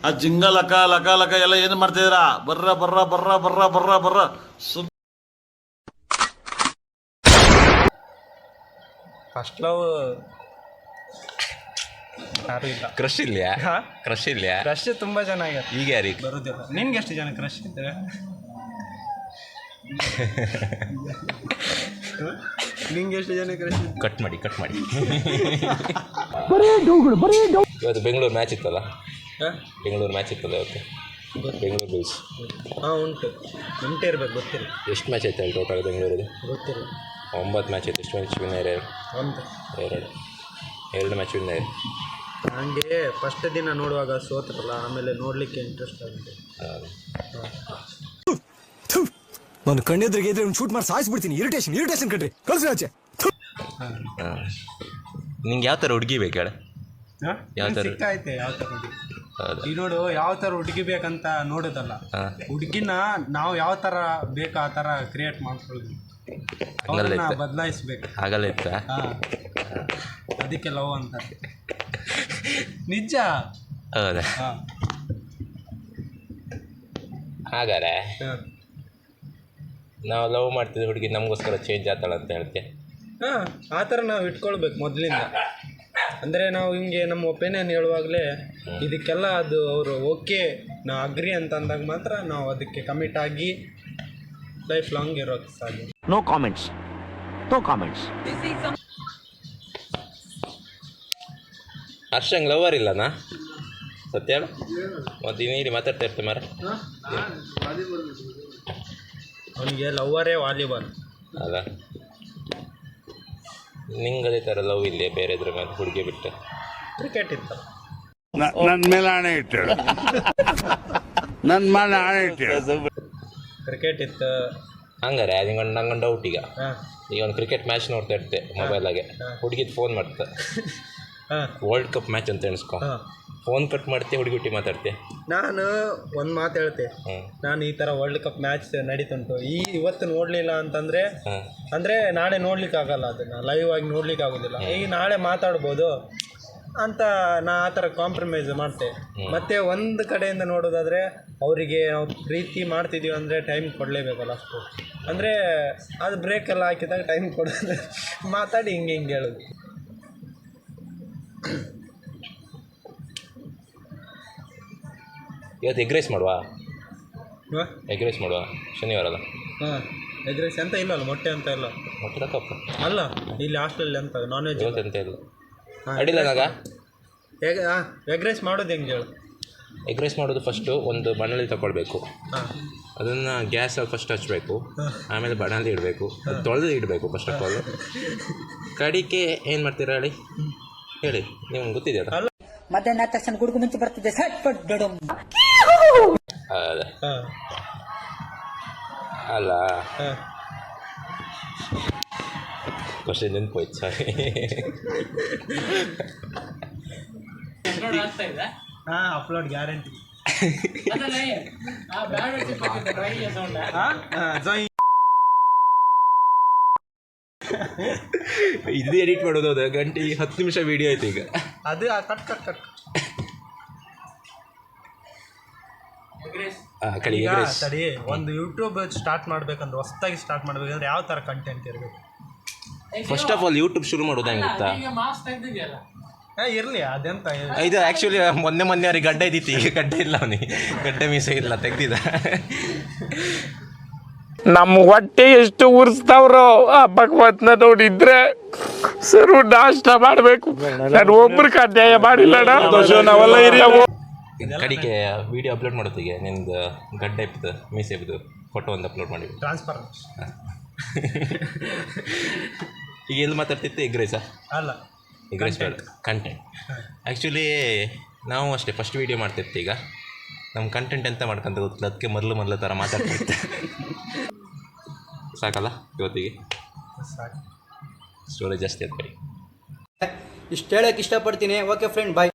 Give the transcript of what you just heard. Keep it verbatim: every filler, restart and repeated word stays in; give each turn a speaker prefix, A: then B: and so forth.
A: ಆ ಜಿಂಗ ಲಕ ಲಕ ಲಕ ಎಲ್ಲ ಏನು ಮಾಡ್ತಿದ್ದೀರಾ? ಬರ್ರ ಬರ್ರ ಬರ್ರ ಬರ್ರ ಬರ್ರ ಬರ್ರ ಸುಮ್
B: ಫಸ್ಟ್ ಲವ್ ಯಾರು ಇಲ್ಲ.
C: ಕ್ರಶ್ ಇಲ್ಯಾ? ಕ್ರಶ್ ಇಲ್ಯಾ?
B: ಕ್ರಶ್ ತುಂಬ ಚೆನ್ನಾಗಿದೆ.
C: ಈಗ ಯಾರಿಗೆ
B: ಬರೋದಿಲ್ಲ. ನಿನ್ಗೆ ಎಷ್ಟು ಜನ ಕ್ರಶ್ ಇದ್ದಾರೆ? ನಿಂಗೆ ಎಷ್ಟು ಜನ ಕ್ರಶ್?
C: ಕಟ್ ಮಾಡಿ ಕಟ್ ಮಾಡಿ. ಇವತ್ತು ಬೆಂಗಳೂರು ಮ್ಯಾಚ್ ಇತ್ತಲ್ಲ, ಬೆಂಗಳೂರು ಮ್ಯಾಚ್ ಇತ್ತಲ್ಲ ಇವತ್ತು, ಬೆಂಗಳೂರು ಬುಲ್ಸ್.
B: ಹಾಂ ಉಂಟು, ಉಂಟೇ ಇರ್ಬೇಕು, ಗೊತ್ತಿಲ್ಲ
C: ಎಷ್ಟು ಮ್ಯಾಚ್ ಆಯ್ತು ಅಲ್ಲಿ ಟೋಟಲ್ ಬೆಂಗಳೂರಿಗೆ?
B: ಗೊತ್ತಿಲ್ಲ.
C: ಒಂಬತ್ತು ಮ್ಯಾಚ್ ಇತ್ತು. ಎಷ್ಟು ಮ್ಯಾಚ್ ವಿನ್ ಆಯ್ತು?
B: ಒಂದು
C: ಎರಡು ಎರಡು ಮ್ಯಾಚ್ ವಿನ್ ಆಯ್ತು.
B: ನನಗೆ ಫಸ್ಟ್ ದಿನ ನೋಡುವಾಗ ಸೋತ್ರಲ್ಲ, ಆಮೇಲೆ ನೋಡಲಿಕ್ಕೆ ಇಂಟ್ರೆಸ್ಟ್ ಆಗುತ್ತೆ.
D: ನಾನು ಕಣ್ಣೆದ್ರಿಗೆ ಇದ್ರೆ ಒಂದು ಶೂಟ್ ಮಾಡಿ ಸಾಯಿಸ್ಬಿಡ್ತೀನಿ. ಇರಿಟೇಷನ್ ಇರಿಟೇಷನ್ ಕಣ್ರಿ, ಕಳ್ಸಿ ಆಚೆ.
C: ನಿಂಗೆ ಯಾವ ಥರ ಹುಡುಗಿ ಬೇಕು ಹೇಳ? ಯಾವ ಥರ
B: ಸಿಕ್ಕಾಯ್ತೆ ಯಾವ ಥರ ಹುಡುಗಿ?
C: ಹೌದಾ?
B: ಈ ನೋಡು, ಯಾವ ಥರ ಹುಡುಗಿ ಬೇಕಂತ ನೋಡೋದಲ್ಲ, ಹುಡುಗಿನ ನಾವು ಯಾವ ಥರ ಬೇಕು ಆ ಥರ ಕ್ರಿಯೇಟ್ ಮಾಡ್ಕೊಳ್ಳೋದು, ಅವ್ರನ್ನ ಬದಲಾಯಿಸ್ಬೇಕು.
C: ಆಗಲ್ಲ ಇತ್ತ?
B: ಹಾಂ, ಅದಕ್ಕೆ ಲವ್ ಅಂತಾರೆ. ನಿಜ.
C: ಹೌದಾ?
B: ಹಾಂ,
C: ಹಾಗಾರೆ ನಾವು ಲವ್ ಮಾಡ್ತಿದ್ದ ಹುಡುಗಿ ನಮಗೋಸ್ಕರ ಚೇಂಜ್ ಆಗ್ತಾಳೆ ಅಂತ ಹೇಳ್ತೆ?
B: ಹಾಂ, ಆ ಥರ ನಾವು ಇಟ್ಕೊಳ್ಬೇಕು ಮೊದಲಿಂದ. ಅಂದರೆ ನಾವು ಹಿಂಗೆ ನಮ್ಮ ಒಪಿನಿಯನ್ ಹೇಳುವಾಗಲೇ ಇದಕ್ಕೆಲ್ಲ ಅದು ಅವರು ಓಕೆ ನಾವು ಅಗ್ರಿ ಅಂತ ಅಂದಾಗ ಮಾತ್ರ ನಾವು ಅದಕ್ಕೆ ಕಮಿಟ್ ಆಗಿ ಲೈಫ್ ಲಾಂಗ್ ಇರೋಕ್ಕೆ ಸಾಧ್ಯ.
E: No comments, no comments.
C: ಹರ್ಷಂಗೆ ಲವರ್ ಇಲ್ಲನಾ? ಸತ್ಯ ಹೇಳು. ಮತ್ತು ನೀಡಿ ಮಾತಾಡ್ತಾ ಇರ್ತೆ ಮಾರ.
B: ಅವನಿಗೆ ಲವ್ವರೇ ವಾಲಿಬಾಲ್
C: ಅಲ್ಲ, ನಿಂಗೆ ಅದೇ ಥರ ಲವ್ ಇಲ್ಲೇ ಬೇರೆ ಇದ್ರ ಮೇಲೆ ಹುಡುಗಿ ಬಿಟ್ಟು?
B: ಕ್ರಿಕೆಟ್ ಇತ್ತು.
F: ನನ್ನ ಮೇಲೆ ಹಣೆ ಇಟ್ಟಳು, ನನ್ನ ಮೇಲೆ ಹಣೆ ಇಟ್ಟಳು.
B: ಕ್ರಿಕೆಟ್ ಇತ್ತು.
C: ಹಂಗಾರೆ ನಿಂಗೆ ನಂಗೆ ಡೌಟ್. ಈಗ
B: ಹಾಂ,
C: ಈಗ ಒಂದು ಕ್ರಿಕೆಟ್ ಮ್ಯಾಚ್ ನೋಡ್ತಾ ಇರ್ತೆ ಮೊಬೈಲಾಗೆ, ಹುಡುಗಿದು ಫೋನ್ ಮಾಡ್ತೆ,
B: ಹಾಂ,
C: ವರ್ಲ್ಡ್ ಕಪ್ ಮ್ಯಾಚ್ ಅಂತ ಎಣಿಸ್ಕೊ,
B: ಹಾಂ,
C: ಫೋನ್ ಕಟ್ ಮಾಡ್ತೆ, ಹುಡುಗಿ ಹುಟ್ಟಿ ಮಾತಾಡ್ತೆ.
B: ನಾನು ಒಂದು ಮಾತು ಹೇಳ್ತೆ, ನಾನು ಈ ಥರ ವರ್ಲ್ಡ್ ಕಪ್ ಮ್ಯಾಚ್ ನಡೀತುಂಟು, ಈ ಇವತ್ತು ನೋಡಲಿಲ್ಲ ಅಂತಂದರೆ ಅಂದರೆ ನಾಳೆ ನೋಡ್ಲಿಕ್ಕೆ ಆಗಲ್ಲ, ಅದನ್ನು ಲೈವ್ ಆಗಿ ನೋಡ್ಲಿಕ್ಕೆ ಆಗೋದಿಲ್ಲ, ಈಗ ನಾಳೆ ಮಾತಾಡ್ಬೋದು ಅಂತ ನಾ ಆ ಥರ ಕಾಂಪ್ರಮೈಸ್ ಮಾಡ್ತೆ. ಮತ್ತು ಒಂದು ಕಡೆಯಿಂದ ನೋಡೋದಾದರೆ ಅವರಿಗೆ ನಾವು ಪ್ರೀತಿ ಮಾಡ್ತಿದ್ದೀವಿ ಅಂದರೆ ಟೈಮ್ ಕೊಡಲೇಬೇಕಲ್ಲ ಅಷ್ಟು. ಅಂದರೆ ಅದು ಬ್ರೇಕೆಲ್ಲ ಹಾಕಿದಾಗ ಟೈಮ್ ಕೊಡೋದು, ಮಾತಾಡಿ ಹಿಂಗೆ ಹಿಂಗೆ ಹೇಳೋದು.
C: ಇವತ್ತು ಎಗ್ ರೈಸ್ ಮಾಡುವ?
B: ಹಾಂ,
C: ಎಗ್ ರೈಸ್ ಮಾಡುವ, ಶನಿವಾರ ಅಲ್ಲ?
B: ಹಾಂ, ಎಗ್ ರೈಸ್ ಅಂತ ಇಲ್ಲ ಅಲ್ಲ, ಮೊಟ್ಟೆ ಅಂತ ಇಲ್ಲ
C: ಮೊಟ್ಟೆ ತಕ್ಕಪ್ಪ
B: ಅಲ್ಲ, ಇಲ್ಲಿ ಹಾಸ್ಟೆಲ್ ಅಂತ ನಾನ್ ವೆಜ್
C: ಇವತ್ತು ಅಂತ ಇಲ್ಲ. ಅಡಿಲ್ಲ ನಾಗ
B: ಎಗ್ ಹಾಂ ಎಗ್ ರೈಸ್ ಮಾಡೋದು ಹೆಂಗೆ ಹೇಳು?
C: ಎಗ್ ರೈಸ್ ಮಾಡೋದು ಫಸ್ಟು ಒಂದು ಬಾಣಲಿ ತಗೊಳ್ಬೇಕು,
B: ಹಾಂ,
C: ಅದನ್ನು ಗ್ಯಾಸಲ್ಲಿ ಫಸ್ಟ್ ಹಚ್ಚಬೇಕು, ಆಮೇಲೆ ಬಾಣಲಿ ಇಡಬೇಕು, ತೊಳೆದು ಇಡಬೇಕು ಫಸ್ಟ್ ಆಫ್ ಆಲ್. ಕಡಿಕೆ ಏನು ಮಾಡ್ತೀರಾ ಹೇಳಿ ಹೇಳಿ, ನಿಮ್ಗೆ ಗೊತ್ತಿದೆಯಲ್ಲ?
G: ಮಧ್ಯಾಹ್ನ ತಕ್ಷಣ ಗುಡುಗು ಮುಂಚೆ ಬರ್ತಿದ್ದೆ ಸಟ್ ಪಟ್ ದೊಡಮ್.
C: ಅದ
B: ಹಾಂ,
C: ಅಲ್ಲ
B: ಹಾಂ,
C: ಕ್ವಶನ್ ನೆನ್ಪೋಯ್ತು, ಸಾರಿ.
B: ಹಾಂ, ಅಪ್ಲೋಡ್ ಗ್ಯಾರಂಟಿ.
C: ಇದು ಎಡಿಟ್ ಮಾಡೋದು ಅದ ಗಂಟೆ ಹತ್ತು ನಿಮಿಷ ವಿಡಿಯೋ ಆಯ್ತು ಈಗ.
B: ಅದು ಕಟ್ ಕಟ್ ಕಟ್
C: ಕಡಿ
B: ಈಗ ಸರಿ, ಒಂದು ಯೂಟ್ಯೂಬ್ ಸ್ಟಾರ್ಟ್ ಮಾಡ್ಬೇಕಂದ್ರೆ, ಹೊಸದಾಗಿ ಸ್ಟಾರ್ಟ್ ಮಾಡ್ಬೇಕಂದ್ರೆ ಯಾವ ಥರ ಕಂಟೆಂಟ್ ಇರಬೇಕು?
C: ಫಸ್ಟ್ ಆಫ್ ಆಲ್ ಯೂಟ್ಯೂಬ್ ಶುರು ಮಾಡೋದು ಹೆಂಗೆ ಗೊತ್ತಾ?
B: ಹಾಂ, ಇರಲಿ ಅದೆಂತ
C: ಇದು ಆ್ಯಕ್ಚುಲಿ ಮೊನ್ನೆ ಮೊನ್ನೆ ಅವ್ರಿಗೆ ಗಡ್ಡೆ ಇದ್ದಿತ್ತು, ಈಗ ಗಡ್ಡೆ ಇಲ್ಲ ಅವನಿಗೆ, ಗಡ್ಡೆ ಮೀಸೆ ಇಲ್ಲ, ತೆಗ್ದಿದ್ದ.
H: ನಮ್ಮ ಹೊಟ್ಟೆ ಎಷ್ಟು ಉರ್ಸ್ತಾವ್ರೋ ಆ ಭಗವತ್ನ ನೋಡಿದ್ರೆ ಸರು ನಾಷ್ಟ ಮಾಡಬೇಕು. ನಾನು ಒಬ್ರಿಗೆ ಅನ್ಯಾಯ ಮಾಡಿಲ್ಲ.
C: ಕಡಿಗೆ ವಿಡಿಯೋ ಅಪ್ಲೋಡ್ ಮಾಡೋತ್ತಿಗೆ ನಿಂದು ಗಡ್ಡೆ ಇಪ್ಪದು ಮೀಸೆ ಇಪ್ಪದು ಫೋಟೋ ಒಂದು ಅಪ್ಲೋಡ್ ಮಾಡಿ
B: ಟ್ರಾನ್ಸ್ಫರ್.
C: ಈಗ ಎಲ್ಲಿ ಮಾತಾಡ್ತಿತ್ತು? ಎಗ್ ರೈಸಾ?
B: ಅಲ್ಲ,
C: ಎಗ್ ರೈಸ್ ಬೇಡ, ಕಂಟೆಂಟ್. ಆ್ಯಕ್ಚುಲಿ ನಾವು ಅಷ್ಟೇ ಫಸ್ಟ್ ವೀಡಿಯೋ ಮಾಡ್ತಿರ್ತೀವಿ. ಈಗ ನಮ್ಮ ಕಂಟೆಂಟ್ ಎಂತ ಮಾಡ್ಕೊಂತ ಗೊತ್ತಿಲ್ಲ, ಅದಕ್ಕೆ ಮೊದಲು ಮೊದಲು ಥರ ಮಾತಾಡ್ತಿರ್ತೆ. ಸಾಕಲ್ಲ ಇವತ್ತಿಗೆ? ಸ್ಟೋರೇಜ್ ಜಾಸ್ತಿ ಆಗ್ತದೆ.
I: ಇಷ್ಟು ಹೇಳೋಕ್ಕೆ ಇಷ್ಟಪಡ್ತೀನಿ. ಓಕೆ ಫ್ರೆಂಡ್, ಬಾಯ್.